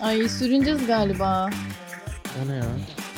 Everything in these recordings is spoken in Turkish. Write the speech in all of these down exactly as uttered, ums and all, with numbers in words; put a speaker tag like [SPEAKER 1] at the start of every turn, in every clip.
[SPEAKER 1] Ay sürüneceğiz galiba.
[SPEAKER 2] O ne ya?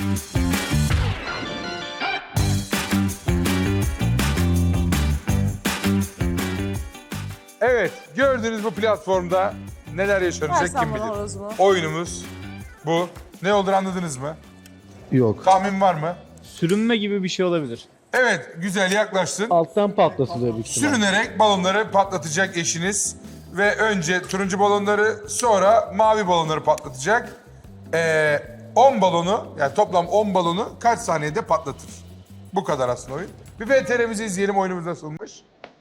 [SPEAKER 3] Evet, gördüğünüz bu platformda neler yaşanacak
[SPEAKER 4] Versen
[SPEAKER 3] kim
[SPEAKER 4] bana
[SPEAKER 3] bilir.
[SPEAKER 4] horozumu.
[SPEAKER 3] Oyunumuz bu. Ne olduğunu anladınız mı?
[SPEAKER 2] Yok.
[SPEAKER 3] Tahmin var mı?
[SPEAKER 5] Sürünme gibi bir şey olabilir.
[SPEAKER 3] Evet, güzel yaklaştın.
[SPEAKER 2] Alttan patlatılıyor büyük ihtimal.
[SPEAKER 3] Sürünerek balonları patlatacak eşiniz. Ve önce turuncu balonları, sonra mavi balonları patlatacak. Ee, on balonu, yani toplam on balonu kaç saniyede patlatır? Bu kadar aslında oyun. Bir V T R'mizi izleyelim, oyunumuz nasılmış?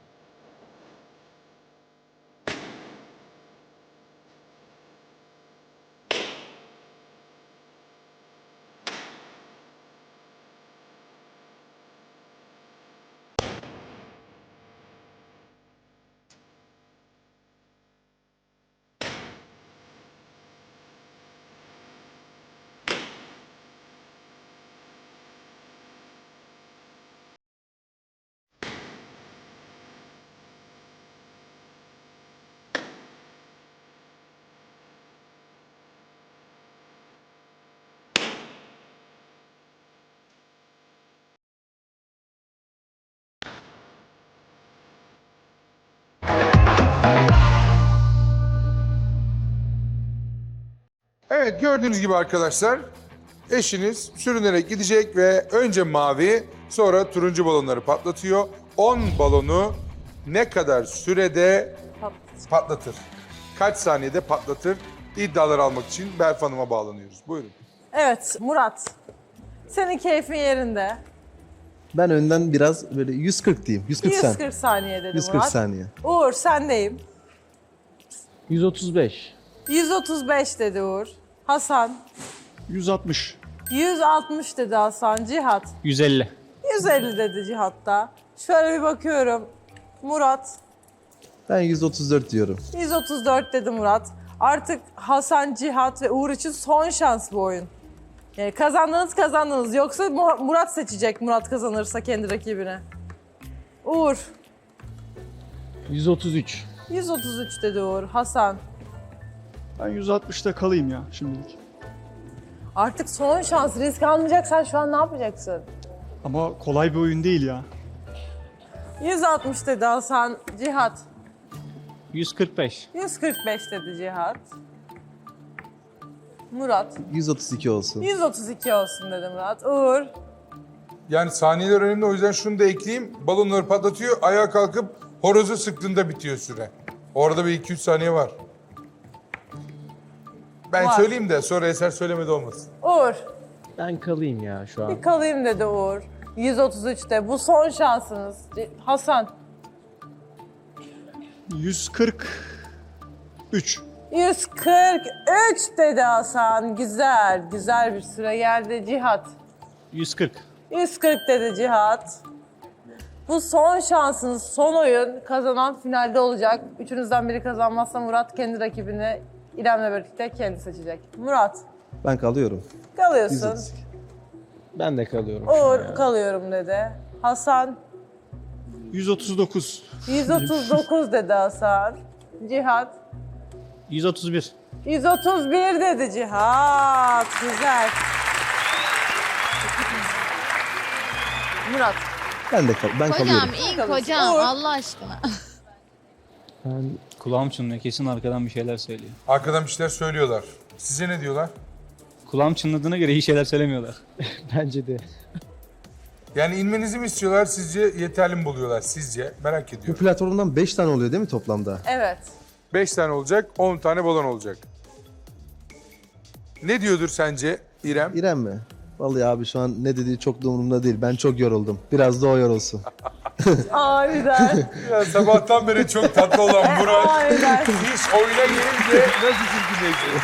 [SPEAKER 3] Evet, gördüğünüz gibi arkadaşlar, eşiniz sürünerek gidecek ve önce mavi, sonra turuncu balonları patlatıyor. on balonu ne kadar sürede patlatır? Kaç saniyede patlatır? İddiaları almak için Berf Hanım'a bağlanıyoruz. Buyurun.
[SPEAKER 4] Evet Murat. Senin keyfin yerinde.
[SPEAKER 6] Ben önden biraz böyle yüz kırk diyeyim. yüz kırk sen.
[SPEAKER 4] yüz kırk saniye dedi
[SPEAKER 6] yüz kırk
[SPEAKER 4] Murat.
[SPEAKER 6] saniye.
[SPEAKER 4] Uğur sendeyim.
[SPEAKER 2] yüz otuz beş.
[SPEAKER 4] yüz otuz beş dedi Uğur. Hasan.
[SPEAKER 5] yüz altmış.
[SPEAKER 4] yüz altmış dedi Hasan. Cihat.
[SPEAKER 5] yüz elli.
[SPEAKER 4] yüz elli dedi Cihat da. Şöyle bir bakıyorum. Murat.
[SPEAKER 6] Ben yüz otuz dört diyorum.
[SPEAKER 4] yüz otuz dört dedi Murat. Artık Hasan, Cihat ve Uğur için son şans bu oyun. Yani kazandınız kazandınız. Yoksa Mu- Murat seçecek Murat kazanırsa kendi rakibine. Uğur.
[SPEAKER 2] yüz otuz üç.
[SPEAKER 4] yüz otuz üç dedi Uğur. Hasan.
[SPEAKER 5] Ben yüz altmışta kalayım ya şimdilik.
[SPEAKER 4] Artık son şans. Risk almayacaksan şu an ne yapacaksın?
[SPEAKER 5] Ama kolay bir oyun değil ya.
[SPEAKER 4] yüz altmış dedi Hasan. Cihat.
[SPEAKER 5] yüz kırk beş.
[SPEAKER 4] yüz kırk beş dedi Cihat. Murat.
[SPEAKER 6] yüz otuz iki olsun.
[SPEAKER 4] yüz otuz iki olsun dedi Murat. Uğur.
[SPEAKER 3] Yani saniyeler önemli, o yüzden şunu da ekleyeyim. Balonları patlatıyor, ayağa kalkıp horozu sıktığında bitiyor süre. Orada bir iki üç saniye var. Ben
[SPEAKER 4] Var.
[SPEAKER 3] söyleyeyim de sonra Eser söylemedi olmasın.
[SPEAKER 4] Uğur.
[SPEAKER 2] Ben kalayım ya şu an.
[SPEAKER 4] Bir kalayım dedi Uğur. yüz otuz üçte. Bu son şansınız. C- Hasan.
[SPEAKER 5] yüz kırk üç.
[SPEAKER 4] yüz kırk üç dedi Hasan. Güzel. Güzel bir süre geldi. Cihat.
[SPEAKER 5] yüz kırk.
[SPEAKER 4] yüz kırk dedi Cihat. Bu son şansınız, son oyun. Kazanan finalde olacak. Üçünüzden biri kazanmazsa Murat kendi rakibini İrem'le birlikte kendi seçecek. Murat,
[SPEAKER 6] Ben kalıyorum. yüz
[SPEAKER 4] kalıyorsun.
[SPEAKER 6] otuz iki.
[SPEAKER 2] Ben de kalıyorum. şu an
[SPEAKER 4] Uğur,
[SPEAKER 2] ya.
[SPEAKER 4] kalıyorum dedi. Hasan,
[SPEAKER 5] yüz otuz dokuz.
[SPEAKER 4] yüz otuz dokuz dedi Hasan. Cihat,
[SPEAKER 5] yüz otuz bir.
[SPEAKER 4] yüz otuz bir dedi Cihat. Güzel. Murat,
[SPEAKER 6] Ben de kal ben
[SPEAKER 1] Kocam
[SPEAKER 6] kalıyorum.
[SPEAKER 1] in kocam
[SPEAKER 4] Uğur.
[SPEAKER 1] Allah aşkına.
[SPEAKER 2] Ben
[SPEAKER 5] Kulağım çınlıyor, kesin arkadan bir şeyler söylüyor.
[SPEAKER 3] Arkadan bir şeyler söylüyorlar. Size ne diyorlar?
[SPEAKER 5] Kulağım çınladığına göre iyi şeyler söylemiyorlar.
[SPEAKER 2] bence de.
[SPEAKER 3] Yani inmenizi mi istiyorlar, sizce yeterli mi buluyorlar sizce? Merak
[SPEAKER 6] Bu
[SPEAKER 3] ediyorum.
[SPEAKER 6] platformdan beş tane oluyor değil mi toplamda?
[SPEAKER 4] evet.
[SPEAKER 3] Beş tane olacak, on tane balon olacak. Ne diyordur sence İrem?
[SPEAKER 6] İrem mi? Vallahi abi şu an ne dediği çok da umurumda değil. Ben çok yoruldum. Biraz da o yorulsun.
[SPEAKER 4] Aniden.
[SPEAKER 3] Ya sabahtan beri çok tatlı olan Murat.
[SPEAKER 4] Aniden.
[SPEAKER 3] Hiç oyuna gelince nasıl çirkinleşti?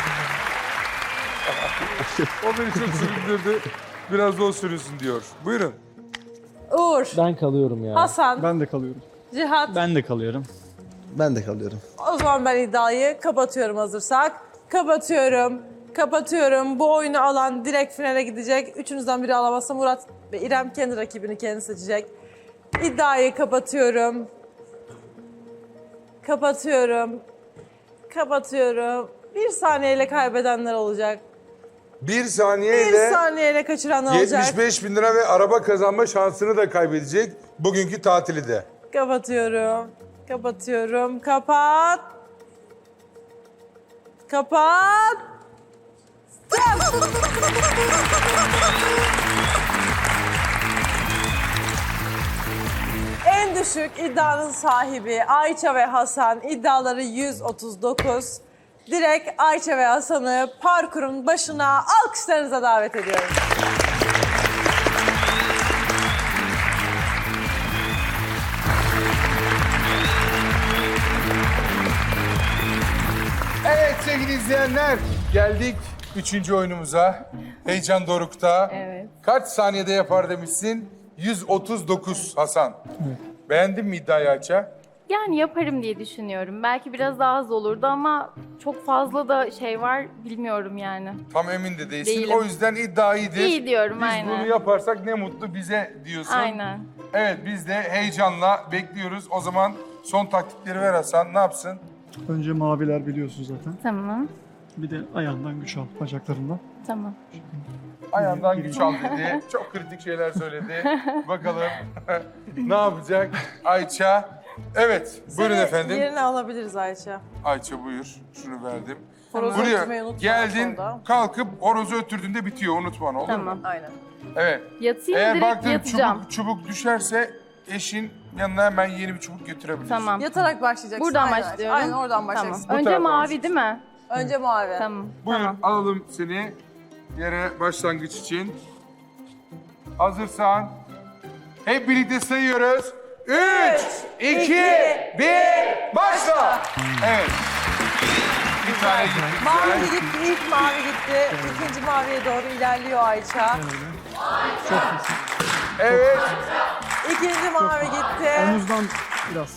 [SPEAKER 3] O beni çok süründürdü. Biraz da o sürünsün diyor. Buyurun.
[SPEAKER 4] Uğur,
[SPEAKER 2] Ben kalıyorum ya.
[SPEAKER 4] Hasan,
[SPEAKER 5] Ben de kalıyorum.
[SPEAKER 4] Cihat.
[SPEAKER 5] Ben de kalıyorum.
[SPEAKER 6] Ben de kalıyorum.
[SPEAKER 4] O zaman ben iddiayı kapatıyorum hazırsak. Kapatıyorum. Kapatıyorum. Bu oyunu alan direkt finale gidecek. Üçünüzden biri alamazsa Murat ve İrem kendi rakibini kendi seçecek. İddiayı kapatıyorum. Kapatıyorum. Kapatıyorum. Bir saniyeyle kaybedenler olacak.
[SPEAKER 3] Bir
[SPEAKER 4] Bir
[SPEAKER 3] saniyeyle
[SPEAKER 4] saniyeyle kaçıranlar olacak.
[SPEAKER 3] yetmiş beş bin lira ve araba kazanma şansını da kaybedecek bugünkü tatili de.
[SPEAKER 4] Kapatıyorum. Kapatıyorum. Kapat. Kapat. En düşük iddianın sahibi Ayça ve Hasan, iddiaları yüz otuz dokuz. Direkt Ayça ve Hasan'ı parkurun başına alkışlarınıza davet ediyorum.
[SPEAKER 3] Evet sevgili izleyenler, geldik üçüncü oyunumuza. Heyecan dorukta.
[SPEAKER 1] Evet.
[SPEAKER 3] Kaç saniyede yapar demişsin? yüz otuz dokuz Hasan. Beğendin mi iddiayı Ayça?
[SPEAKER 7] Yani yaparım diye düşünüyorum. Belki biraz daha az olurdu ama çok fazla da şey var bilmiyorum yani.
[SPEAKER 3] Tam emin de değilsin.
[SPEAKER 7] Değilim.
[SPEAKER 3] O yüzden iddia iyidir.
[SPEAKER 7] İyi diyorum,
[SPEAKER 3] Biz
[SPEAKER 7] aynen.
[SPEAKER 3] bunu yaparsak ne mutlu bize diyorsun.
[SPEAKER 7] Aynen.
[SPEAKER 3] Evet biz de heyecanla bekliyoruz. O zaman son taktikleri ver Hasan. Ne yapsın?
[SPEAKER 5] Önce maviler biliyorsun zaten.
[SPEAKER 7] Tamam.
[SPEAKER 5] Bir de ayağından güç al, bacaklarından.
[SPEAKER 7] Tamam.
[SPEAKER 3] Ayağından güç al dedi. Çok kritik şeyler söyledi. Bakalım ne yapacak Ayça? Evet, buyurun
[SPEAKER 4] Seni
[SPEAKER 3] efendim.
[SPEAKER 4] Yerine alabiliriz Ayça.
[SPEAKER 3] Ayça buyur. Şunu verdim.
[SPEAKER 4] Horozu ötürmeyi
[SPEAKER 3] Buraya
[SPEAKER 4] unutma
[SPEAKER 3] geldin,
[SPEAKER 4] orada.
[SPEAKER 3] kalkıp horozu öttürdüğünde bitiyor. Unutma, olur
[SPEAKER 7] Tamam.
[SPEAKER 3] mu?
[SPEAKER 4] Aynen.
[SPEAKER 3] Evet.
[SPEAKER 7] Yatayım
[SPEAKER 3] Eğer
[SPEAKER 7] direkt
[SPEAKER 3] baktın
[SPEAKER 7] yatacağım.
[SPEAKER 3] çubuk, çubuk düşerse eşin yanına hemen yeni bir çubuk götürebilirsin.
[SPEAKER 7] Tamam.
[SPEAKER 4] Yatarak başlayacaksın.
[SPEAKER 7] Buradan
[SPEAKER 4] aynen.
[SPEAKER 7] başlıyorum.
[SPEAKER 4] Aynen oradan
[SPEAKER 7] Tamam.
[SPEAKER 4] başlayacaksın.
[SPEAKER 7] Önce
[SPEAKER 3] tarafa
[SPEAKER 7] mavi
[SPEAKER 3] başlayacağız.
[SPEAKER 7] değil mi?
[SPEAKER 4] Önce mavi.
[SPEAKER 7] Tamam.
[SPEAKER 3] Buyur
[SPEAKER 7] Tamam.
[SPEAKER 3] alalım seni yere başlangıç için. Hazırsan hep birlikte sayıyoruz. Üç, iki, bir, başla. Evet. Bir tane gitti.
[SPEAKER 4] Mavi
[SPEAKER 3] güzel.
[SPEAKER 4] gitti, ilk mavi gitti. İkinci maviye doğru ilerliyor Ayça.
[SPEAKER 5] Çok iyisin.
[SPEAKER 3] Evet.
[SPEAKER 4] İkinci mavi gitti.
[SPEAKER 5] Omuzdan biraz.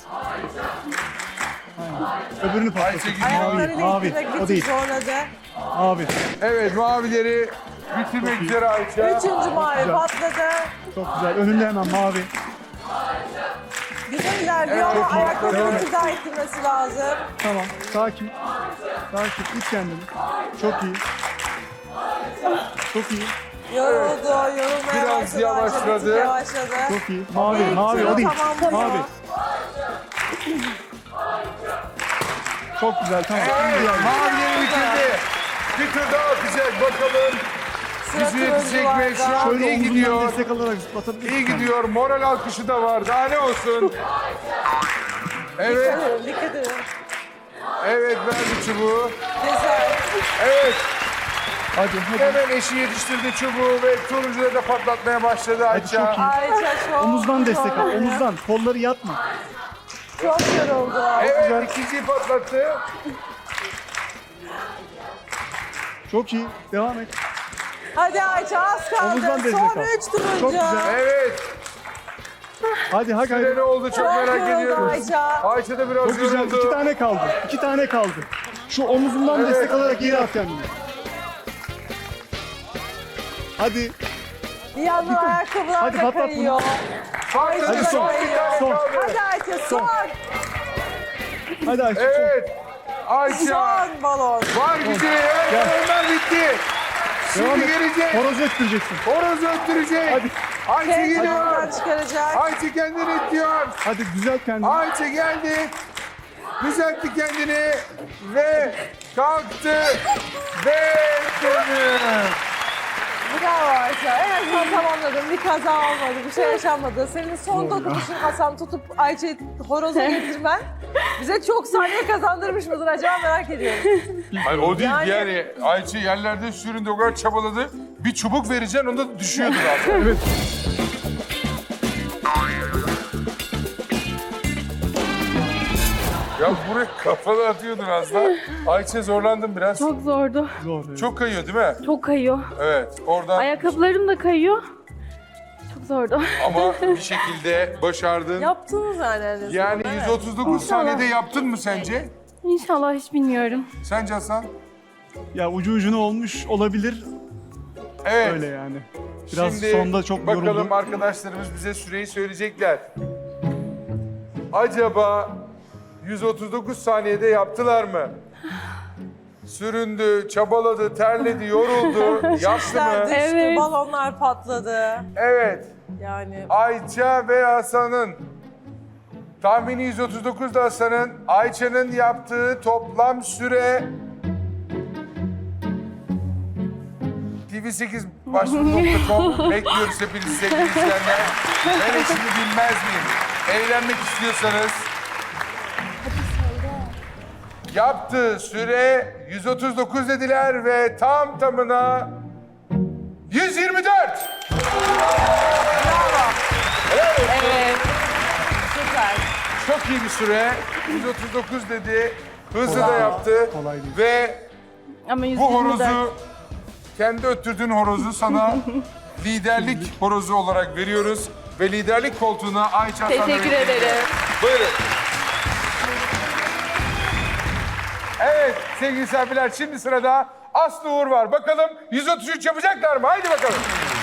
[SPEAKER 5] Aynen. Öbürünü patlat.
[SPEAKER 3] Ayşe gidiyor.
[SPEAKER 5] Mavi,
[SPEAKER 4] Ayaklarıyla
[SPEAKER 5] mavi.
[SPEAKER 4] ittirmek bir
[SPEAKER 5] O
[SPEAKER 4] tık
[SPEAKER 5] değil.
[SPEAKER 4] zorladı.
[SPEAKER 5] Mavi.
[SPEAKER 3] Evet mavileri bitirmek üzere Ayça.
[SPEAKER 4] Üçüncü mavi
[SPEAKER 5] güzel.
[SPEAKER 4] patladı.
[SPEAKER 5] Çok güzel. Önünde hemen mavi.
[SPEAKER 4] Güzel ilerliyor
[SPEAKER 3] Evet,
[SPEAKER 4] ama
[SPEAKER 3] çok iyi.
[SPEAKER 4] ayaklarını
[SPEAKER 3] Devam
[SPEAKER 4] bir
[SPEAKER 3] et.
[SPEAKER 4] tık daha ittirmesi lazım.
[SPEAKER 5] Tamam. Sakin. Sakin. İt kendini. Çok iyi. Çok iyi.
[SPEAKER 4] Yoruldu, yorulmaya
[SPEAKER 3] Biraz
[SPEAKER 4] başladı.
[SPEAKER 3] yavaşladı.
[SPEAKER 4] Ayça, bir tık yavaşladı.
[SPEAKER 5] Çok iyi. Mavi.
[SPEAKER 4] İlk
[SPEAKER 5] Mavi.
[SPEAKER 4] turu
[SPEAKER 5] O değil.
[SPEAKER 4] tamamlıyor.
[SPEAKER 5] Mavi. Çok güzel. Tamam.
[SPEAKER 3] Evet
[SPEAKER 5] Diğer-
[SPEAKER 3] mavileri bitirdi. Bir tur daha atacak bakalım.
[SPEAKER 4] Sıra
[SPEAKER 3] Bizi yetecek mi? Şu
[SPEAKER 4] turuncularda.
[SPEAKER 3] an
[SPEAKER 5] Şöyle
[SPEAKER 3] iyi
[SPEAKER 5] omzundan
[SPEAKER 3] gidiyor.
[SPEAKER 5] destek alarak zıplatabilirsin.
[SPEAKER 3] İyi gidiyor. Moral alkışı da var. Daha ne olsun? Evet.
[SPEAKER 4] Dikkat edin, dikkat edin.
[SPEAKER 3] Evet verdi çubuğu.
[SPEAKER 4] Güzel.
[SPEAKER 3] Evet.
[SPEAKER 5] Hadi hadi.
[SPEAKER 3] Hemen eşi yetiştirdi çubuğu ve turuncuları da patlatmaya başladı Ayça.
[SPEAKER 5] çok iyi.
[SPEAKER 4] Ayça çok
[SPEAKER 5] Omuzdan destek al.
[SPEAKER 4] zorlanıyor.
[SPEAKER 5] Omuzdan. Kolları yatma.
[SPEAKER 4] Çok yoruldu.
[SPEAKER 3] Evet ikinciyi patlattı.
[SPEAKER 5] Çok iyi. Devam et.
[SPEAKER 4] Hadi Ayça az kaldı.
[SPEAKER 5] Omuzdan destek
[SPEAKER 4] Son
[SPEAKER 5] al.
[SPEAKER 4] üç turuncu.
[SPEAKER 5] Çok güzel.
[SPEAKER 3] Evet.
[SPEAKER 5] Hadi hadi.
[SPEAKER 3] Süre ne oldu çok
[SPEAKER 4] Çok
[SPEAKER 3] merak
[SPEAKER 4] yoruldu
[SPEAKER 3] ediyoruz.
[SPEAKER 4] Ayça.
[SPEAKER 3] Ayça da biraz
[SPEAKER 5] Çok güzel.
[SPEAKER 3] yoruldu.
[SPEAKER 5] İki tane kaldı. İki tane kaldı. Şu omuzundan
[SPEAKER 3] Evet.
[SPEAKER 5] destek alarak yere at kendini. Hadi.
[SPEAKER 4] Bir yandan ayakkabılar
[SPEAKER 5] Hadi
[SPEAKER 4] da
[SPEAKER 5] patlat bunu.
[SPEAKER 4] kayıyor.
[SPEAKER 3] Patladı
[SPEAKER 5] Hadi
[SPEAKER 3] son
[SPEAKER 5] son.
[SPEAKER 3] bir tane
[SPEAKER 5] Son.
[SPEAKER 3] kaldı.
[SPEAKER 4] Hadi Ayça son.
[SPEAKER 5] Hadi Ayşe.
[SPEAKER 3] Evet. Ayça.
[SPEAKER 4] Son balon.
[SPEAKER 3] Var gücü. Evet balonlar bitti.
[SPEAKER 5] Devam
[SPEAKER 3] Şimdi
[SPEAKER 5] et.
[SPEAKER 3] gelecek.
[SPEAKER 5] Horoz öttüreceksin.
[SPEAKER 3] Horoz öttürecek.
[SPEAKER 5] Hadi.
[SPEAKER 3] Ayça
[SPEAKER 4] Kendini
[SPEAKER 3] geliyor.
[SPEAKER 4] oradan çıkaracak.
[SPEAKER 3] Ayça kendini itiyor.
[SPEAKER 5] Hadi düzelt kendini.
[SPEAKER 3] Ayça geldi. Düzeltti kendini. Ve kalktı. Ve dönüyor.
[SPEAKER 4] Bravo Ayça. En azından tamamladın. Bir kaza olmadı. Bir şey yaşanmadı. Senin son dokunuşun Hasan tutup Ayça'yı horoza getirmen bize çok saniye kazandırmış mıdır acaba merak ediyorum.
[SPEAKER 3] Hayır o değil yani,
[SPEAKER 4] Yani-
[SPEAKER 3] Ayça yerlerde süründü o kadar çabaladı. Bir çubuk vereceksin onda da düşüyordu zaten.
[SPEAKER 5] Evet.
[SPEAKER 3] Ya buraya kafanı atıyordun az da. Ayça zorlandın biraz. Çok,
[SPEAKER 7] Çok zordu.
[SPEAKER 5] Zor. evet.
[SPEAKER 3] Çok kayıyor değil mi?
[SPEAKER 7] Çok kayıyor.
[SPEAKER 3] Evet oradan
[SPEAKER 7] Ayakkabılarım da kayıyor. Çok zordu.
[SPEAKER 3] ama bir şekilde başardın.
[SPEAKER 4] Yaptınız yani en azından.
[SPEAKER 3] Yani
[SPEAKER 4] evet.
[SPEAKER 3] yüz otuz dokuz saniyede yaptın mı sence?
[SPEAKER 7] İnşallah hiç bilmiyorum.
[SPEAKER 3] Sence Hasan?
[SPEAKER 5] Ya ucu ucuna olmuş olabilir.
[SPEAKER 3] Evet.
[SPEAKER 5] Öyle yani. Biraz
[SPEAKER 3] Şimdi
[SPEAKER 5] sonda çok
[SPEAKER 3] bakalım
[SPEAKER 5] yoruldu.
[SPEAKER 3] arkadaşlarımız bize süreyi söyleyecekler. Acaba yüz otuz dokuz saniyede yaptılar mı? süründü, çabaladı, terledi, yoruldu. Yaptı
[SPEAKER 4] Şişler
[SPEAKER 3] mı?
[SPEAKER 4] düştü,
[SPEAKER 7] Evet.
[SPEAKER 4] balonlar patladı.
[SPEAKER 3] Evet.
[SPEAKER 4] Yani
[SPEAKER 3] Ayça ve Hasan'ın tahmini yüz otuz dokuz da Hasan'ın. Ayça'nın yaptığı toplam süre T V sekiz başvuru nokta com bekliyoruz hepinizi sevgili izleyenler. Ben eşimi bilmez miyim? Eğlenmek istiyorsanız yaptığı süre yüz otuz dokuz dediler ve tam tamına yüz yirmi dört.
[SPEAKER 4] evet. Süper.
[SPEAKER 3] Çok iyi bir süre. yüz otuz dokuz dedi. Hızlı da yaptı.
[SPEAKER 5] Kolay değil.
[SPEAKER 3] Ve
[SPEAKER 7] Ama yüz
[SPEAKER 3] bu
[SPEAKER 7] yirmi dört.
[SPEAKER 3] horozu, kendi öttürdüğün horozu sana liderlik horozu olarak veriyoruz. Ve liderlik koltuğuna Ayça Hasan'la
[SPEAKER 7] Teşekkür
[SPEAKER 3] birlikte
[SPEAKER 7] ederim.
[SPEAKER 3] gidiyoruz. Buyurun. Evet sevgili misafirler, şimdi sırada Aslı Uğur var. Bakalım yüz otuz üç yapacaklar mı? Haydi bakalım.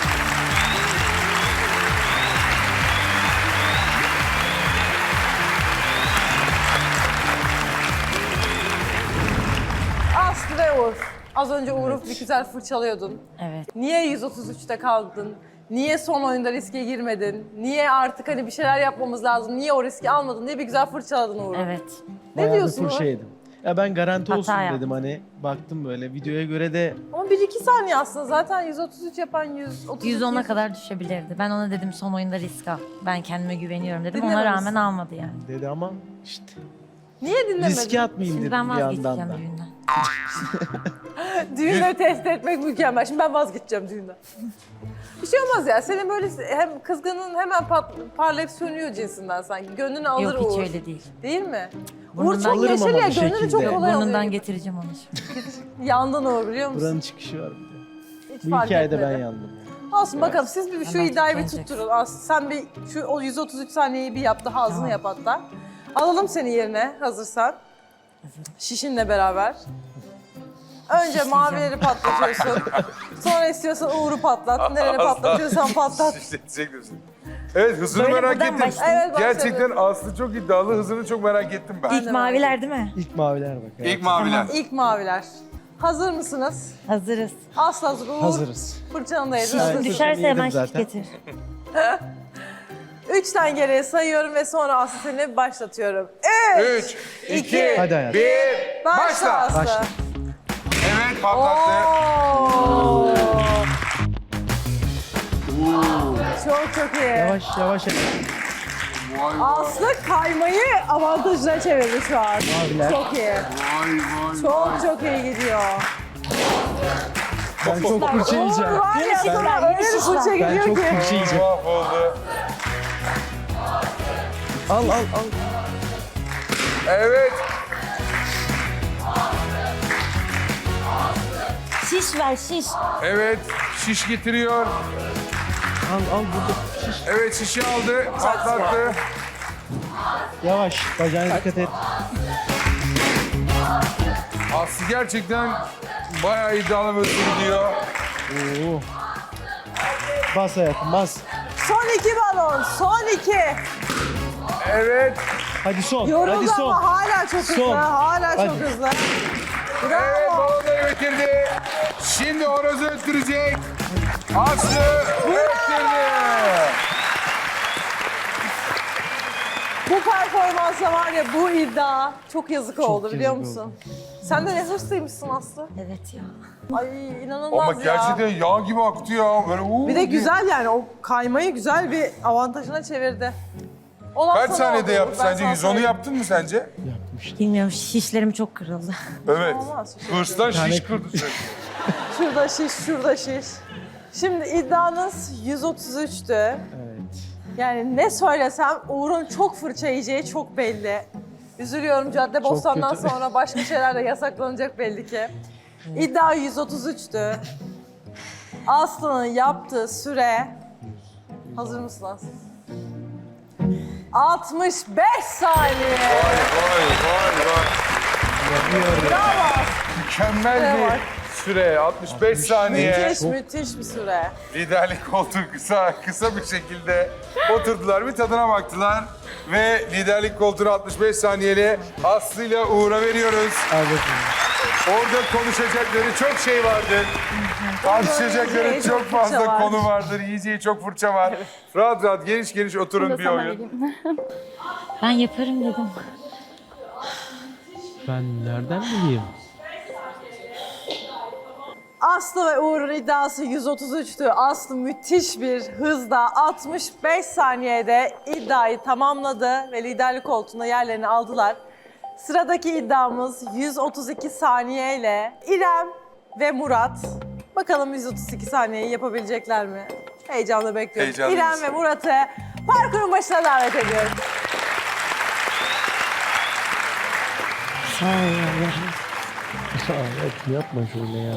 [SPEAKER 4] Aslı ve Uğur. Az önce Uğur'u bir güzel fırçalıyordun.
[SPEAKER 8] Evet.
[SPEAKER 4] Niye yüz otuz üçte kaldın? Niye son oyunda riske girmedin? Niye artık hani bir şeyler yapmamız lazım? Niye o riski almadın diye bir güzel fırçaladın Uğur'u.
[SPEAKER 8] Evet.
[SPEAKER 4] Ne
[SPEAKER 2] Bayağı bir
[SPEAKER 4] diyorsun Uğur?
[SPEAKER 2] fırça yedim. Ya ben garanti
[SPEAKER 8] Hata
[SPEAKER 2] olsun
[SPEAKER 8] yaptım.
[SPEAKER 2] dedim hani. Baktım böyle videoya göre de
[SPEAKER 4] Ama bir iki saniye aslında zaten yüz otuz üç yapan yüz otuz iki.
[SPEAKER 8] yüz ona kadar düşebilirdi. Ben ona dedim son oyunda risk al. Ben kendime güveniyorum dedim. Ona
[SPEAKER 4] Dinlememişsin.
[SPEAKER 8] rağmen almadı yani.
[SPEAKER 2] dedi ama işte
[SPEAKER 4] Niye dinlemedin?
[SPEAKER 2] riske atmayayım
[SPEAKER 8] Şimdi
[SPEAKER 2] dedim
[SPEAKER 8] ben
[SPEAKER 2] bir yandan
[SPEAKER 8] vazgeçeceğim
[SPEAKER 2] da.
[SPEAKER 8] düğünden.
[SPEAKER 4] Düğünleri test etmek mükemmel. Şimdi ben vazgeçeceğim düğünden. Bir şey olmaz ya. Senin böyle hem kızgının hemen pat, parlayıp sönüyor cinsinden sanki. Gönlünü alır
[SPEAKER 8] Yok hiç
[SPEAKER 4] Uğur.
[SPEAKER 8] öyle değil.
[SPEAKER 4] Değil mi?
[SPEAKER 8] Burnundan
[SPEAKER 4] Uğur çok
[SPEAKER 2] alırım
[SPEAKER 4] neşeli
[SPEAKER 2] ama
[SPEAKER 4] ya.
[SPEAKER 2] bir
[SPEAKER 4] Gönlünü çok
[SPEAKER 2] şekilde.
[SPEAKER 4] kolay
[SPEAKER 8] Burnundan
[SPEAKER 4] alıyor.
[SPEAKER 8] getireceğim onu şimdi.
[SPEAKER 4] Yandın Uğur biliyor musun?
[SPEAKER 2] Buranın çıkışı var bir de.
[SPEAKER 4] Hiç
[SPEAKER 2] Bu
[SPEAKER 4] fark
[SPEAKER 2] hikayede
[SPEAKER 4] etmedi.
[SPEAKER 2] ben yandım. yani.
[SPEAKER 4] Olsun bakalım siz bir şu
[SPEAKER 8] Hemen
[SPEAKER 4] iddiayı bir
[SPEAKER 8] tükeneceksin.
[SPEAKER 4] tutturun. As sen bir şu o yüz otuz üç saniyeyi bir yap daha ağzını
[SPEAKER 8] Tamam.
[SPEAKER 4] yap hatta. Alalım seni yerine hazırsan. Şişinle beraber. Önce mavileri patlatıyorsun. Sonra istiyorsan Uğur'u patlat. Nereni patlatıyorsan patlat.
[SPEAKER 3] Şişletecek misin? Evet, hızını
[SPEAKER 8] Böyle
[SPEAKER 3] merak
[SPEAKER 8] buradan
[SPEAKER 3] ettim.
[SPEAKER 8] başlayalım.
[SPEAKER 4] Evet, başlayalım.
[SPEAKER 3] Gerçekten Aslı çok iddialı, hızını çok merak ettim ben.
[SPEAKER 8] İlk maviler değil mi?
[SPEAKER 2] İlk maviler bak.
[SPEAKER 3] İlk maviler.
[SPEAKER 4] İlk maviler. Hazır mısınız?
[SPEAKER 8] Hazırız.
[SPEAKER 4] Aslı hazır. Uğur.
[SPEAKER 2] Hazırız.
[SPEAKER 4] Fırçanı da yedin.
[SPEAKER 8] Şişim
[SPEAKER 4] hazırsın.
[SPEAKER 8] düşerse
[SPEAKER 2] yedim
[SPEAKER 8] hemen şiş
[SPEAKER 2] zaten.
[SPEAKER 8] getir.
[SPEAKER 4] Üçten geriye sayıyorum ve sonra Aslı seni başlatıyorum. Üç,
[SPEAKER 3] Üç,
[SPEAKER 4] iki,
[SPEAKER 3] iki,
[SPEAKER 2] Hadi hayatım.
[SPEAKER 3] bir,
[SPEAKER 4] başla,
[SPEAKER 3] başla.
[SPEAKER 4] Aslı.
[SPEAKER 2] Başla.
[SPEAKER 3] Evet, patlattı.
[SPEAKER 4] Oo. Çok çok iyi.
[SPEAKER 2] Yavaş yavaş.
[SPEAKER 3] Vay vay,
[SPEAKER 4] Aslı kaymayı avantajına çevirdi şu an.
[SPEAKER 2] Maviler.
[SPEAKER 4] Çok iyi.
[SPEAKER 3] vay vay.
[SPEAKER 4] Çok çok iyi gidiyor.
[SPEAKER 2] Ben çok fırça yiyeceğim.
[SPEAKER 4] Uğur var ya
[SPEAKER 8] Ben-
[SPEAKER 4] sana öyle bir fırça
[SPEAKER 2] Ben
[SPEAKER 4] geliyor
[SPEAKER 2] çok
[SPEAKER 4] ki.
[SPEAKER 2] fırça yiyeceğim.
[SPEAKER 3] Mahvoldu.
[SPEAKER 2] Al al al.
[SPEAKER 3] Evet.
[SPEAKER 8] Şiş ver şiş.
[SPEAKER 3] Evet, şiş getiriyor.
[SPEAKER 2] Al al burada. Şiş.
[SPEAKER 3] Evet, şişi aldı, patlattı.
[SPEAKER 2] Yavaş. Bacağına dikkat et.
[SPEAKER 3] Aslı gerçekten bayağı iddialı bir gidiyor.
[SPEAKER 2] Oo. Bas hayatım bas.
[SPEAKER 4] Son iki balon, son iki.
[SPEAKER 3] Evet,
[SPEAKER 2] Hadi son. Hadi
[SPEAKER 4] Yoruldu
[SPEAKER 2] son.
[SPEAKER 4] ama hala çok hızlı,
[SPEAKER 2] Son.
[SPEAKER 4] hala çok
[SPEAKER 2] Hadi.
[SPEAKER 4] hızlı.
[SPEAKER 3] evet
[SPEAKER 4] Bravo.
[SPEAKER 3] balonları bitirdi. Şimdi horozu öttürecek. Aslı öttürdü.
[SPEAKER 4] Bu performansa var ya bu iddia çok yazık oldu biliyor
[SPEAKER 2] yazık
[SPEAKER 4] musun? Sen de ne hırslıymışsın Aslı.
[SPEAKER 8] Evet ya.
[SPEAKER 4] Ay inanılmaz
[SPEAKER 3] Ama
[SPEAKER 4] ya.
[SPEAKER 3] gerçekten yağ gibi aktı ya. Böyle, uuu
[SPEAKER 4] Bir de
[SPEAKER 3] diye.
[SPEAKER 4] güzel yani o kaymayı güzel bir avantajına çevirdi. Olan
[SPEAKER 3] Kaç
[SPEAKER 4] sana
[SPEAKER 3] saniyede
[SPEAKER 4] oldu.
[SPEAKER 3] yaptı
[SPEAKER 4] Ben
[SPEAKER 3] sence?
[SPEAKER 4] sana
[SPEAKER 3] yüz onu
[SPEAKER 4] söyleyeyim.
[SPEAKER 3] yaptın mı sence?
[SPEAKER 2] Yapmıştım.
[SPEAKER 8] Bilmiyorum şişlerim çok kırıldı.
[SPEAKER 3] Evet.
[SPEAKER 4] Olmaz.
[SPEAKER 3] Hırslan
[SPEAKER 2] tane
[SPEAKER 3] şiş kırdı sürekli.
[SPEAKER 4] Şurada şiş, şurada şiş. Şimdi iddianız yüz otuz üçtü.
[SPEAKER 2] Evet.
[SPEAKER 4] Yani ne söylesem Uğur'un çok fırça yiyeceği çok belli. Üzülüyorum Cadde Bostan'dan
[SPEAKER 2] kötü.
[SPEAKER 4] sonra başka şeyler de yasaklanacak belli ki. İddia yüz otuz üçtü. Aslı'nın yaptığı süre... Hazır mısın Aslı? altmış beş saniye.
[SPEAKER 3] Vay vay vay.
[SPEAKER 4] Bravo.
[SPEAKER 3] Mükemmel
[SPEAKER 4] Evet.
[SPEAKER 3] bir süre. altmış beş saniye.
[SPEAKER 4] Müthiş, müthiş bir süre.
[SPEAKER 3] Liderlik koltuğu kısa kısa bir şekilde oturdular. Bir tadına baktılar. Ve liderlik koltuğunu altmış beş saniyeli Aslı ile Uğur'a veriyoruz.
[SPEAKER 2] Al bakalım.
[SPEAKER 3] Orada konuşacakları çok şey vardır. Tartışacakları
[SPEAKER 4] Yiyeceği
[SPEAKER 3] çok
[SPEAKER 4] çok
[SPEAKER 3] fazla
[SPEAKER 4] fırça var.
[SPEAKER 3] konu vardır. Yiyeceği çok fırça var. Rahat rahat geniş geniş oturun
[SPEAKER 7] Bunu da
[SPEAKER 3] bir
[SPEAKER 7] sana
[SPEAKER 3] oyun.
[SPEAKER 7] vereyim.
[SPEAKER 8] Ben yaparım dedim.
[SPEAKER 2] Ben nereden bileyim?
[SPEAKER 4] Aslı ve Uğur'un iddiası yüz otuz üçtü. Aslı müthiş bir hızla altmış beş saniyede iddiayı tamamladı ve liderlik koltuğuna yerlerini aldılar. Sıradaki iddiamız yüz otuz iki saniye ile İrem ve Murat. Bakalım yüz otuz iki saniyeyi yapabilecekler mi? Heyecanla bekliyorum.
[SPEAKER 3] Heyecanlıyız.
[SPEAKER 4] İrem ve Murat'ı parkurun başına davet ediyorum.
[SPEAKER 8] Sağ ol ya.
[SPEAKER 2] Evet, yapma şöyle ya.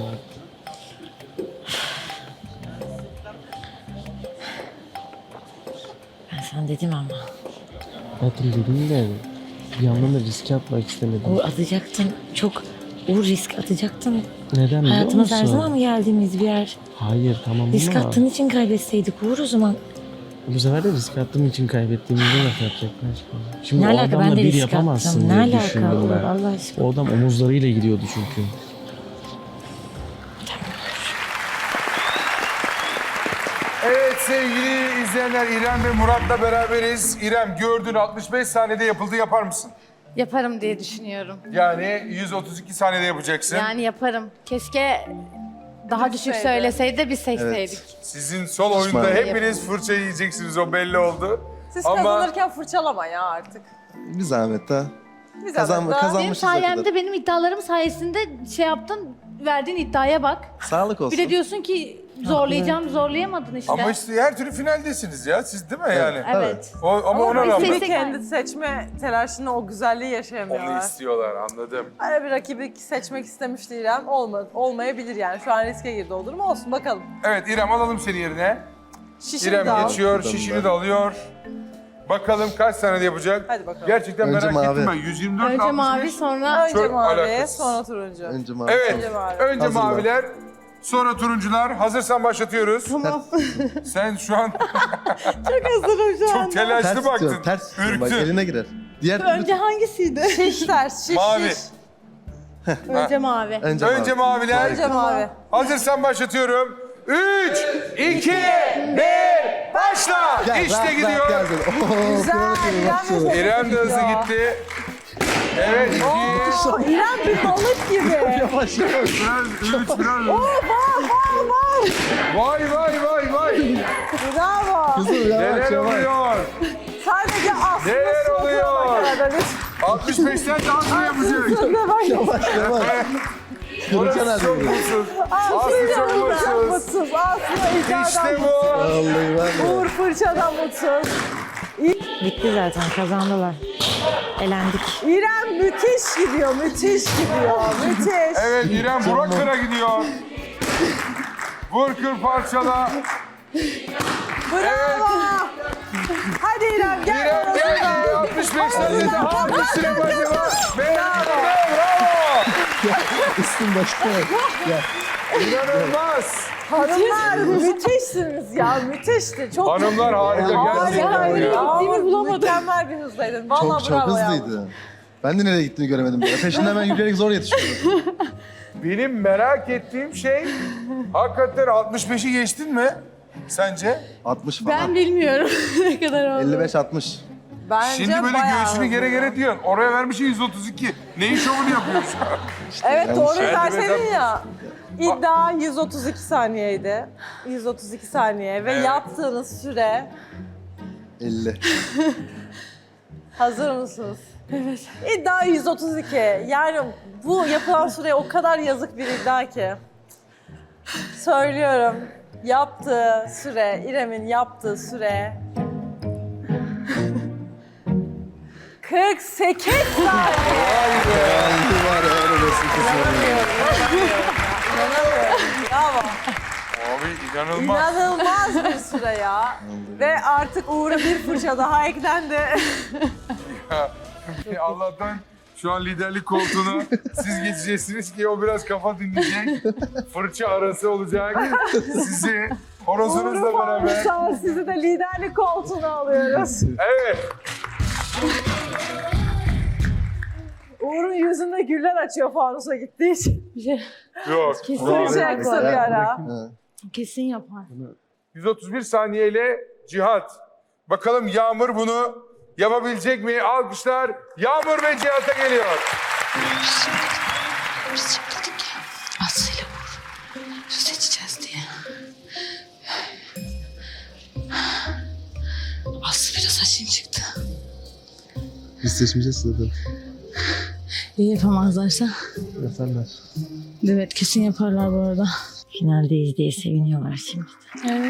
[SPEAKER 8] Ben sana dedim ama.
[SPEAKER 2] Hayatım dedim de bir yandan da riske atmak istemedim.
[SPEAKER 8] Uğur atacaktın. Çok Uğur risk atacaktın.
[SPEAKER 2] Neden biliyor
[SPEAKER 8] Hayatımız her
[SPEAKER 2] musun?
[SPEAKER 8] zaman mı geldiğimiz bir yer?
[SPEAKER 2] Hayır tamam
[SPEAKER 8] Risk
[SPEAKER 2] ama
[SPEAKER 8] attığın için kaybetseydik Uğur o zaman.
[SPEAKER 2] bu sefer de risk attığım için kaybettiğimizde laf yapacaklar. Şimdi
[SPEAKER 8] Ne
[SPEAKER 2] o
[SPEAKER 8] alaka,
[SPEAKER 2] adamla
[SPEAKER 8] ben de
[SPEAKER 2] bir
[SPEAKER 8] risk
[SPEAKER 2] yapamazsın
[SPEAKER 8] attım.
[SPEAKER 2] diye
[SPEAKER 8] Ne alaka
[SPEAKER 2] düşündüm
[SPEAKER 8] Uğur,
[SPEAKER 2] ben.
[SPEAKER 8] Allah aşkına.
[SPEAKER 2] O adam omuzlarıyla gidiyordu çünkü.
[SPEAKER 3] Evet sevgili izleyenler, İrem ve Murat'la beraberiz. İrem, gördüğün altmış beş saniyede yapıldı, yapar mısın?
[SPEAKER 1] Yaparım diye düşünüyorum.
[SPEAKER 3] Yani yüz otuz iki saniyede yapacaksın.
[SPEAKER 1] Yani yaparım. Keşke daha düşük
[SPEAKER 4] Düşseydi.
[SPEAKER 1] söyleseydi de biz seçseydik.
[SPEAKER 3] Sizin son oyunda
[SPEAKER 6] Pişman.
[SPEAKER 3] hepiniz fırça yiyeceksiniz, o belli oldu.
[SPEAKER 4] Siz
[SPEAKER 3] Ama
[SPEAKER 4] kazanırken fırçalama ya artık.
[SPEAKER 6] Bir zahmet ha.
[SPEAKER 4] Biz
[SPEAKER 6] Kazan,
[SPEAKER 4] arada-
[SPEAKER 1] Benim
[SPEAKER 6] kazanmışız o kadar.
[SPEAKER 1] sayemde, benim iddialarım sayesinde şey yaptın, verdiğin iddiaya bak.
[SPEAKER 6] Sağlık olsun.
[SPEAKER 1] Bir de diyorsun ki zorlayacağım, zorlayamadın işte.
[SPEAKER 3] ama işte her türlü finaldesiniz ya, siz değil mi yani?
[SPEAKER 1] Evet.
[SPEAKER 3] O, ama,
[SPEAKER 4] Ama
[SPEAKER 3] ona rağmen
[SPEAKER 4] rakibi
[SPEAKER 1] Seçsek
[SPEAKER 4] kendi
[SPEAKER 1] yani.
[SPEAKER 4] seçme telaşında o güzelliği
[SPEAKER 3] onu
[SPEAKER 4] yaşayamıyorlar.
[SPEAKER 3] istiyorlar, anladım.
[SPEAKER 4] Öyle bir rakibi seçmek istemişti İrem. Olmadı, olmayabilir yani. Şu an riske girdi o durum. Olsun bakalım.
[SPEAKER 3] Evet İrem, alalım seni yerine.
[SPEAKER 4] Şişini
[SPEAKER 3] İrem
[SPEAKER 4] de al.
[SPEAKER 3] geçiyor,
[SPEAKER 6] Buradan
[SPEAKER 3] şişini
[SPEAKER 6] ben.
[SPEAKER 3] de alıyor. Bakalım kaç saniyede yapacak?
[SPEAKER 4] Hadi bakalım.
[SPEAKER 3] Gerçekten
[SPEAKER 6] Önce
[SPEAKER 3] merak
[SPEAKER 6] mavi.
[SPEAKER 3] ettim ben. yüz yirmi dört
[SPEAKER 1] Önce
[SPEAKER 3] altmış
[SPEAKER 1] mavi,
[SPEAKER 3] beş.
[SPEAKER 1] sonra
[SPEAKER 4] Önce
[SPEAKER 3] Çok
[SPEAKER 4] mavi,
[SPEAKER 3] alakasız.
[SPEAKER 4] sonra turuncu.
[SPEAKER 6] Önce mavi.
[SPEAKER 3] Evet,
[SPEAKER 4] Önce mavi.
[SPEAKER 3] önce
[SPEAKER 6] Hazırlar.
[SPEAKER 3] maviler, sonra turuncular. Hazırsan başlatıyoruz.
[SPEAKER 1] Tamam.
[SPEAKER 3] Sen şu an
[SPEAKER 4] Çok hazırım şu
[SPEAKER 3] çok
[SPEAKER 4] anda.
[SPEAKER 3] telaşlı
[SPEAKER 6] Ters
[SPEAKER 3] baktın.
[SPEAKER 6] tutuyorum, ters tutuyorum. Bak
[SPEAKER 3] Ürktün.
[SPEAKER 6] eline girer. Diğer
[SPEAKER 1] Önce hangisiydi?
[SPEAKER 4] Şiş ters, şiş
[SPEAKER 3] Mavi.
[SPEAKER 4] şiş.
[SPEAKER 1] Önce mavi.
[SPEAKER 6] önce,
[SPEAKER 3] Önce
[SPEAKER 6] mavi.
[SPEAKER 3] maviler.
[SPEAKER 4] Önce mavi.
[SPEAKER 3] Hazırsan başlatıyorum. Üç, iki, bir, başla.
[SPEAKER 6] Gel,
[SPEAKER 3] işte
[SPEAKER 6] rahat,
[SPEAKER 3] gidiyor.
[SPEAKER 6] rahat, gel, gel. Oo,
[SPEAKER 4] Güzel,
[SPEAKER 6] kıvrak gibi
[SPEAKER 4] İrem
[SPEAKER 6] başladı.
[SPEAKER 4] de-
[SPEAKER 3] İrem de hızlı gitti. Evet, iki,
[SPEAKER 4] Oo, İrem bir balık gibi.
[SPEAKER 6] Yavaş yavaş.
[SPEAKER 3] biraz, üç, biraz.
[SPEAKER 4] Oo, var, var, var.
[SPEAKER 3] Vay vay vay vay.
[SPEAKER 4] Bravo.
[SPEAKER 6] Kızım yavaş
[SPEAKER 3] Neler
[SPEAKER 6] yavaş.
[SPEAKER 3] oluyor?
[SPEAKER 4] Sadece Aslı'nın
[SPEAKER 3] Neler
[SPEAKER 4] suratına
[SPEAKER 3] oluyor?
[SPEAKER 4] bak arada.
[SPEAKER 3] altmış beşten daha mı yapacak?
[SPEAKER 4] Suratına bak.
[SPEAKER 6] Yavaş yavaş. Kırıkan
[SPEAKER 3] Orası çok
[SPEAKER 6] hadi.
[SPEAKER 3] mutsuz.
[SPEAKER 4] Aslı
[SPEAKER 3] Aslı çok
[SPEAKER 4] çok
[SPEAKER 3] mutsuz.
[SPEAKER 4] mutsuz. Aslı iddiadan
[SPEAKER 3] İşte
[SPEAKER 4] mutsuz.
[SPEAKER 3] bu.
[SPEAKER 6] Vallahi var ya.
[SPEAKER 4] Uğur fırçadan mutsuz.
[SPEAKER 8] Bitti zaten, kazandılar. Elendik.
[SPEAKER 4] İrem müthiş gidiyor, müthiş gidiyor, müthiş.
[SPEAKER 3] Evet İrem Burak Kır'a gidiyor. Vur kır parçala.
[SPEAKER 4] Bravo. Hadi İrem gel.
[SPEAKER 3] İrem
[SPEAKER 4] bana
[SPEAKER 3] geldi.
[SPEAKER 4] şuradan.
[SPEAKER 3] altmış beş saniyede hangisine başlıyor? Bravo. Bravo.
[SPEAKER 6] Üstün başına bak. Ya.
[SPEAKER 3] İnanılmaz.
[SPEAKER 4] Hanımlar müthişsiniz ya, müthişti. Çok
[SPEAKER 3] Hanımlar harika gerçekten
[SPEAKER 4] harika.
[SPEAKER 3] ya.
[SPEAKER 4] Gittiğimi bulamadım. Mükemmel bir hızdaydın. Vallahi
[SPEAKER 6] Çok çok
[SPEAKER 4] bravo ya.
[SPEAKER 6] hızlıydı. Ben de nereye gittiğini göremedim. Böyle. Peşinden ben yürüyerek zor yetişiyordum.
[SPEAKER 3] Benim merak ettiğim şey hakikaten altmış beşi geçtin mi sence?
[SPEAKER 6] altmış falan.
[SPEAKER 1] Ben bilmiyorum ne kadar oldu.
[SPEAKER 6] elli beş altmış.
[SPEAKER 4] Bence
[SPEAKER 3] Şimdi böyle
[SPEAKER 4] bayağı
[SPEAKER 3] göğsünü gere
[SPEAKER 4] hızlı.
[SPEAKER 3] gere diyorsun. Oraya vermişsin yüz otuz iki. Neyin şovunu yapıyorsun?
[SPEAKER 4] Evet
[SPEAKER 6] yanlış.
[SPEAKER 4] doğru
[SPEAKER 3] Yani
[SPEAKER 4] verseydin
[SPEAKER 3] mesela-
[SPEAKER 4] ya. İddia yüz otuz iki saniyeydi. yüz otuz iki saniye ve
[SPEAKER 3] Evet.
[SPEAKER 4] yaptığınız süre
[SPEAKER 6] elli.
[SPEAKER 4] hazır mısınız? Evet. İddia yüz otuz iki. Yani bu yapılan süre o kadar yazık bir iddia ki. Söylüyorum. Yaptığı süre, İrem'in yaptığı süre kırk sekiz saniye.
[SPEAKER 6] Vallahi var ya öyle resim kısmı.
[SPEAKER 4] İnanamıyorum, inanamıyorum. İnanamıyorum. Bravo.
[SPEAKER 3] Abi inanılmaz.
[SPEAKER 4] İnanılmaz bir süre ya. Ve artık Uğur'a bir fırça daha eklendi.
[SPEAKER 3] Allah'tan şu an liderlik koltuğuna siz geçeceksiniz ki o biraz kafa dinleyecek. Fırça arası olacak. Sizi horozunuzla
[SPEAKER 4] Uğur'u
[SPEAKER 3] beraber.
[SPEAKER 4] almışlar, sizi de liderlik koltuğuna alıyoruz.
[SPEAKER 3] Evet.
[SPEAKER 4] Uğur'un yüzündeki güller açıyor fanusa gittiği için.
[SPEAKER 3] Yok.
[SPEAKER 1] Kesin
[SPEAKER 4] Kısa kısa bir ara.
[SPEAKER 6] Ha.
[SPEAKER 1] Kesin yapar.
[SPEAKER 3] yüz otuz bir saniyeyle Cihat. Bakalım Yağmur bunu yapabilecek mi? Alkışlar Yağmur ve Cihat'a geliyor.
[SPEAKER 9] Biz dedik ya Aslı'yla vur. Seçeceğiz diye. Aslı biraz aşın çıktı.
[SPEAKER 6] Biz seçmeyeceğiz zaten.
[SPEAKER 1] İyi yapamazlarsa.
[SPEAKER 6] Yaparlar.
[SPEAKER 1] Evet kesin yaparlar bu arada.
[SPEAKER 8] Finaldeyiz diye seviniyorlar şimdi.
[SPEAKER 1] Evet.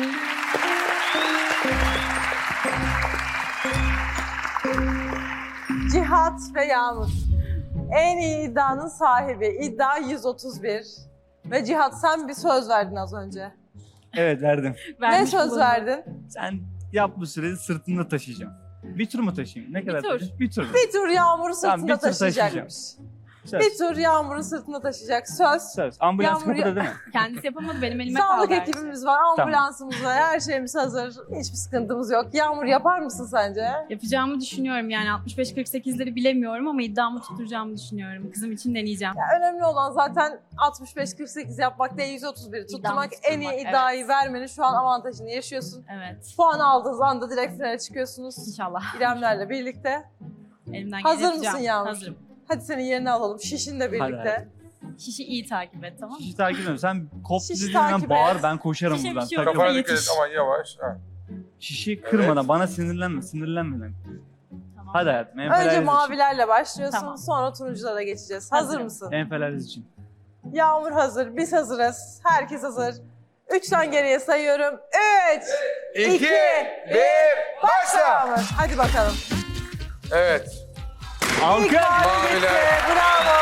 [SPEAKER 4] Cihat ve Yağmur. En iyi iddianın sahibi. İddia yüz otuz bir. Ve Cihat sen bir söz verdin az önce.
[SPEAKER 5] Evet verdim.
[SPEAKER 4] Ne söz verdin?
[SPEAKER 5] Sen yap bu sürede sırtında taşıyacağım. Bir tur mu taşıyayım? Ne kadar
[SPEAKER 7] tur.
[SPEAKER 5] taşıyayım? Bir tur mu?
[SPEAKER 4] Bir tur Yağmur'u sırtında
[SPEAKER 5] Tamam, bir tur
[SPEAKER 4] taşıyacakmış.
[SPEAKER 5] Söz.
[SPEAKER 4] Bir tur Yağmur'u sırtında taşıyacak. Söz.
[SPEAKER 5] Söz. Ambulans
[SPEAKER 4] Yağmur-
[SPEAKER 5] kapıda değil mi?
[SPEAKER 7] Kendisi yapamadı, benim elime
[SPEAKER 4] Sağlık
[SPEAKER 7] kaldı.
[SPEAKER 4] ekibimiz var, ambulansımız var, her şeyimiz hazır. Hiçbir sıkıntımız yok. Yağmur yapar mısın sence?
[SPEAKER 10] Yapacağımı düşünüyorum yani altmış beş kırk sekizleri bilemiyorum ama iddiamı tutturacağımı düşünüyorum. Kızım için deneyeceğim.
[SPEAKER 4] Ya önemli olan zaten altmış beş kırk sekiz yapmak değil, yüz otuz biri tutturmak. En iyi
[SPEAKER 10] tutturmak,
[SPEAKER 4] iddiayı
[SPEAKER 10] evet.
[SPEAKER 4] vermenin şu an avantajını yaşıyorsun.
[SPEAKER 10] Evet.
[SPEAKER 4] Puan aldığınız anda direkt finale çıkıyorsunuz.
[SPEAKER 10] İnşallah.
[SPEAKER 4] İremlerle birlikte.
[SPEAKER 10] Elimden
[SPEAKER 4] Hazır
[SPEAKER 10] geleni
[SPEAKER 4] mısın
[SPEAKER 10] yapacağım.
[SPEAKER 4] Yağmur?
[SPEAKER 10] Hazırım.
[SPEAKER 4] Hadi senin yerini alalım, şişinle birlikte.
[SPEAKER 10] Şişi iyi takip et, tamam mı?
[SPEAKER 5] Şişi takip ediyorum. Sen kop
[SPEAKER 4] Şişi
[SPEAKER 5] dediğin
[SPEAKER 4] takip
[SPEAKER 5] hemen
[SPEAKER 4] et.
[SPEAKER 5] bağır, ben koşarım
[SPEAKER 10] Şişe bir
[SPEAKER 5] buradan.
[SPEAKER 10] şey yok.
[SPEAKER 5] Takıyorum.
[SPEAKER 3] Kafana dikkat et
[SPEAKER 10] yetiş.
[SPEAKER 3] aman yavaş. Ha.
[SPEAKER 5] Şişi kırmadan, bana sinirlenme, sinirlenmeden.
[SPEAKER 10] Tamam.
[SPEAKER 5] Hadi hayatım,
[SPEAKER 4] Önce
[SPEAKER 5] enfeleriz için.
[SPEAKER 4] mavilerle başlıyorsun,
[SPEAKER 10] Tamam.
[SPEAKER 4] sonra turunculara geçeceğiz. Hazır
[SPEAKER 10] Hazırım.
[SPEAKER 4] mısın?
[SPEAKER 5] Enfeleriz için.
[SPEAKER 4] Yağmur hazır, biz hazırız. Herkes hazır. Üçten geriye sayıyorum. Üç,
[SPEAKER 3] İki,
[SPEAKER 4] iki,
[SPEAKER 3] bir, başla.
[SPEAKER 4] Yağmur. Hadi bakalım.
[SPEAKER 3] Evet.
[SPEAKER 4] İlk
[SPEAKER 5] Alkış!
[SPEAKER 4] mavi gitti,
[SPEAKER 3] Maviler.
[SPEAKER 4] bravo.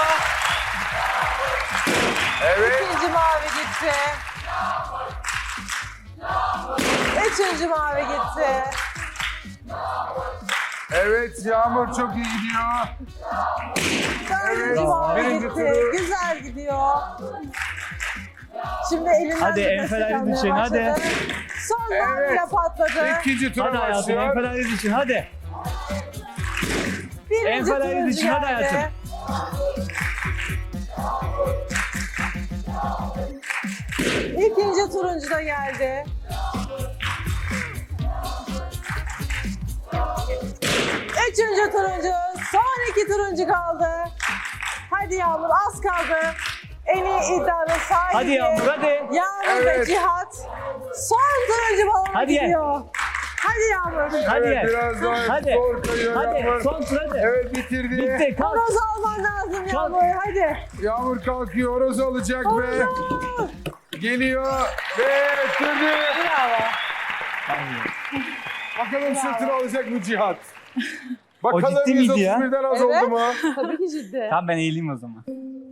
[SPEAKER 3] Evet.
[SPEAKER 4] İkinci mavi gitti. Üçüncü mavi gitti.
[SPEAKER 3] Evet Yağmur çok iyi gidiyor.
[SPEAKER 4] Dördüncü
[SPEAKER 3] Evet,
[SPEAKER 4] mavi
[SPEAKER 3] birinci
[SPEAKER 4] gitti.
[SPEAKER 3] turu.
[SPEAKER 4] Güzel gidiyor. Şimdi elinden
[SPEAKER 5] Hadi,
[SPEAKER 4] de destek
[SPEAKER 5] enfeleriz
[SPEAKER 4] almaya
[SPEAKER 5] için, hadi.
[SPEAKER 4] başladı. Son
[SPEAKER 3] Evet.
[SPEAKER 4] maviyle patladı.
[SPEAKER 3] İkinci tura
[SPEAKER 5] Hadi hayatım,
[SPEAKER 3] başlıyor.
[SPEAKER 5] enfeleriz için, hadi.
[SPEAKER 4] Birinci
[SPEAKER 5] enfeleriz
[SPEAKER 4] turuncu
[SPEAKER 5] için, hadi
[SPEAKER 4] geldi.
[SPEAKER 5] hayatım.
[SPEAKER 4] İkinci turuncu da geldi. Üçüncü turuncu. Son iki turuncu kaldı. Hadi Yağmur, az kaldı. En iyi iddianın sahibi.
[SPEAKER 5] Hadi Yağmur, hadi.
[SPEAKER 4] Yağmur ve
[SPEAKER 3] Evet.
[SPEAKER 4] Cihat. Son turuncu balona
[SPEAKER 5] Hadi gel.
[SPEAKER 4] gidiyor. Hadi Yağmur.
[SPEAKER 5] Hadi
[SPEAKER 3] Evet
[SPEAKER 5] gel.
[SPEAKER 3] biraz daha
[SPEAKER 5] Hadi.
[SPEAKER 3] zor kayıyor
[SPEAKER 5] Hadi,
[SPEAKER 3] Yağmur.
[SPEAKER 5] son tur hadi.
[SPEAKER 3] Evet bitirdi.
[SPEAKER 5] Bitti, kalk.
[SPEAKER 4] Horoz alman lazım Yağmur. Hadi.
[SPEAKER 3] Yağmur kalkıyor, horoz alacak ve
[SPEAKER 4] Horoz.
[SPEAKER 3] geliyor ve bitirdi.
[SPEAKER 4] Bravo.
[SPEAKER 3] Bakalım sırtını alacak mı Cihat? Bakalım
[SPEAKER 5] ciddi miydi ya?
[SPEAKER 3] yüz otuz birden az
[SPEAKER 4] Evet.
[SPEAKER 3] oldu mu?
[SPEAKER 4] Tabii ki ciddi.
[SPEAKER 5] Tamam, ben eğileyim o zaman.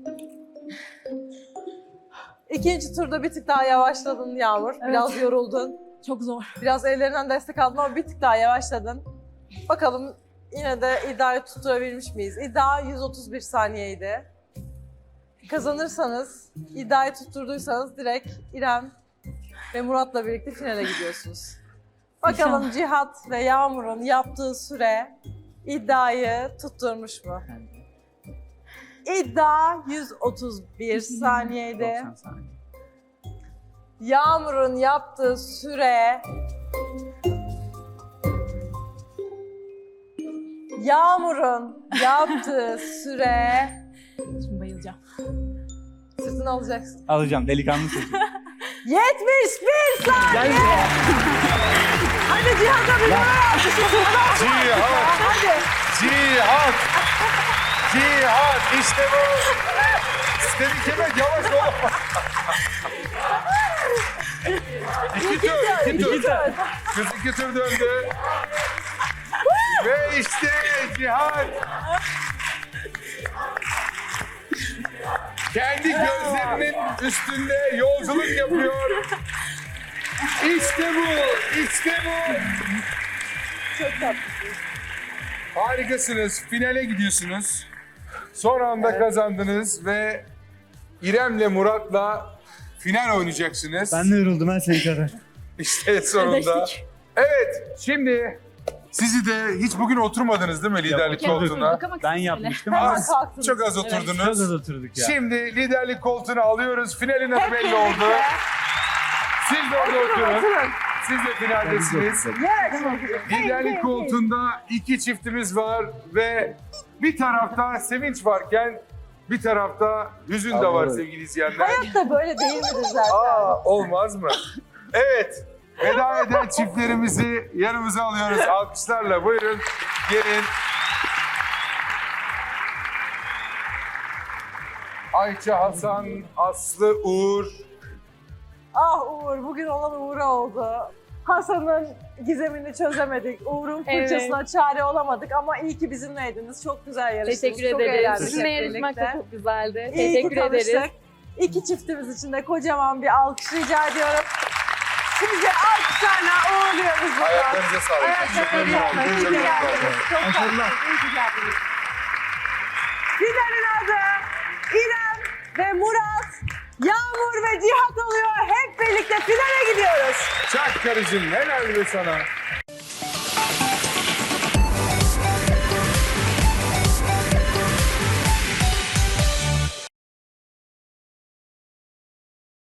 [SPEAKER 4] İkinci turda bir tık daha yavaşladın Yağmur. Biraz yoruldun.
[SPEAKER 10] Çok zor.
[SPEAKER 4] Biraz ellerinden destek aldın ama bir tık daha yavaşladın. Bakalım yine de iddiayı tutturabilmiş miyiz? İddia yüz otuz bir saniyeydi. Kazanırsanız, iddiayı tutturduysanız direkt İrem ve Murat'la birlikte finale gidiyorsunuz. Bakalım Cihat ve Yağmur'un yaptığı süre iddiayı tutturmuş mu? İddia yüz otuz bir saniyeydi.
[SPEAKER 5] doksan saniye.
[SPEAKER 4] Yağmur'un yaptığı süre... Yağmur'un yaptığı süre...
[SPEAKER 10] Şimdi bayılacağım.
[SPEAKER 4] Sırtını alacaksın.
[SPEAKER 5] Alacağım, delikanlı seçim.
[SPEAKER 4] yetmiş bir saniye!
[SPEAKER 5] Gel buraya.
[SPEAKER 4] Hadi Cihat'a bir numara alkışlasın.
[SPEAKER 3] Cihat,
[SPEAKER 4] Hadi.
[SPEAKER 3] Cihat, Cihat işte bu. Tebrik ederim, yavaş ol. İki tur, iki tur.
[SPEAKER 5] İki tur.
[SPEAKER 3] Kız iki tur döndü. Ve işte Cihat. Kendi gözlerinin üstünde yolculuk yapıyor. İşte bu, işte bu.
[SPEAKER 4] Çok tatlısın.
[SPEAKER 3] Harikasınız. Finale gidiyorsunuz. Son anda kazandınız ve İrem'le Murat'la final oynayacaksınız.
[SPEAKER 5] Ben de yoruldum, ben seni kadar.
[SPEAKER 3] İşte sonunda. Evet, şimdi Sizi de hiç bugün oturmadınız değil mi liderlik
[SPEAKER 5] oturduk.
[SPEAKER 3] koltuğuna?
[SPEAKER 10] Oturduk ama
[SPEAKER 5] Ben
[SPEAKER 10] kısa
[SPEAKER 5] yapmıştım
[SPEAKER 4] Hemen
[SPEAKER 5] ama
[SPEAKER 3] Az,
[SPEAKER 4] kalktınız.
[SPEAKER 3] çok az
[SPEAKER 4] Evet.
[SPEAKER 3] oturdunuz.
[SPEAKER 5] çok az oturduk ya.
[SPEAKER 3] Şimdi liderlik koltuğunu alıyoruz. Finalin adı
[SPEAKER 4] Hep
[SPEAKER 3] belli
[SPEAKER 4] birlikte.
[SPEAKER 3] oldu. Siz de orada oturun.
[SPEAKER 4] Oturun.
[SPEAKER 3] Siz de finaldesiniz.
[SPEAKER 4] Evet.
[SPEAKER 3] Liderlik koltuğunda iki çiftimiz var ve bir tarafta sevinç varken bir tarafta hüzün de var
[SPEAKER 6] Anladım.
[SPEAKER 3] sevgili izleyenler.
[SPEAKER 4] Hayat da böyle değil midir zaten?
[SPEAKER 3] Aa, olmaz mı? Evet. Veda eden çiftlerimizi yanımıza alıyoruz. Alkışlarla buyurun. Gelin. Ayça, Hasan, Aslı, Uğur.
[SPEAKER 4] Ah Uğur, bugün olan Uğur'a oldu. Hasan'ın gizemini çözemedik. Uğur'un fırçasına çare olamadık ama iyi ki bizimleydiniz. Çok güzel yarıştınız.
[SPEAKER 1] Teşekkür
[SPEAKER 4] çok
[SPEAKER 1] ederiz.
[SPEAKER 4] eğlendik
[SPEAKER 1] Sizinle
[SPEAKER 4] hep
[SPEAKER 1] yarışmak da
[SPEAKER 4] birlikte.
[SPEAKER 1] çok güzeldi.
[SPEAKER 4] İyi
[SPEAKER 1] Teşekkür
[SPEAKER 4] ki
[SPEAKER 1] ederiz.
[SPEAKER 4] tanıştık. İki çiftimiz için de kocaman bir alkış rica ediyorum. Sizi alkışlarla uğurluyoruz buradan.
[SPEAKER 3] Ayaklarınıza sağlık.
[SPEAKER 4] Ayaklarınıza sağlık. İyi ki geldiniz. Çok sağ olun. İyi ki geldiniz. Finalin adı İrem ve Murat, Yağmur ve Cihat oluyor. Hep birlikte finale gidiyoruz.
[SPEAKER 3] Çak karıcığım, helal be sana.